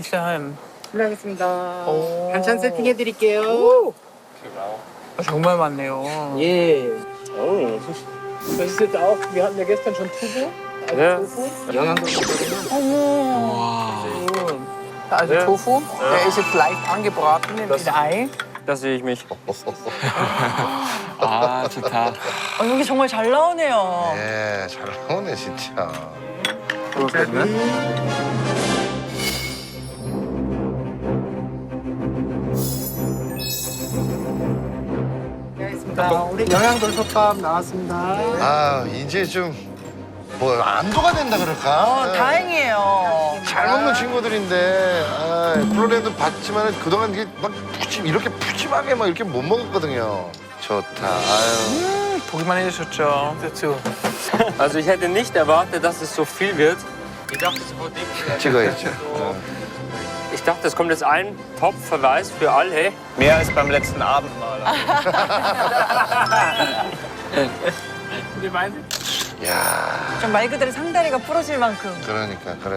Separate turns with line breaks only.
Nicht daheim.
실례하겠습니다.
오.
반찬 세팅해드릴게요.
정말 많네요.
예. Das ist jetzt auch, wir hatten ja gestern schon Tofu.
Ja.
영양도
어머. Also Tofu, der ist jetzt leicht angebraten in Ei.
Da sehe ich mich.
아, 좋다.
여기 정말 잘 나오네요.
예, 잘 나오네 진짜.
알겠습니다. 우리 영양돌솥밥 나왔습니다.
아 이제 좀 뭐 안도가 된다 그럴까? 예.
다행이에요.
잘 먹는 친구들인데 아, 플로렌도 봤지만 그동안 이게 막 이렇게 푸짐하게 막 이렇게 못 먹었거든요. 좋다. 아유.
보기만 해도 좋죠. dazu.
Also ich hätte nicht erwartet, dass es so viel wird. Ich dachte, es wird nicht.
찍어야죠.
Ich dachte, es kommt jetzt ein Top-Verweis für alle.
Mehr als beim letzten Abendmahl.
우리 많이
야,
좀 말 그대로 상다리가 부러질 만큼.
그러니까.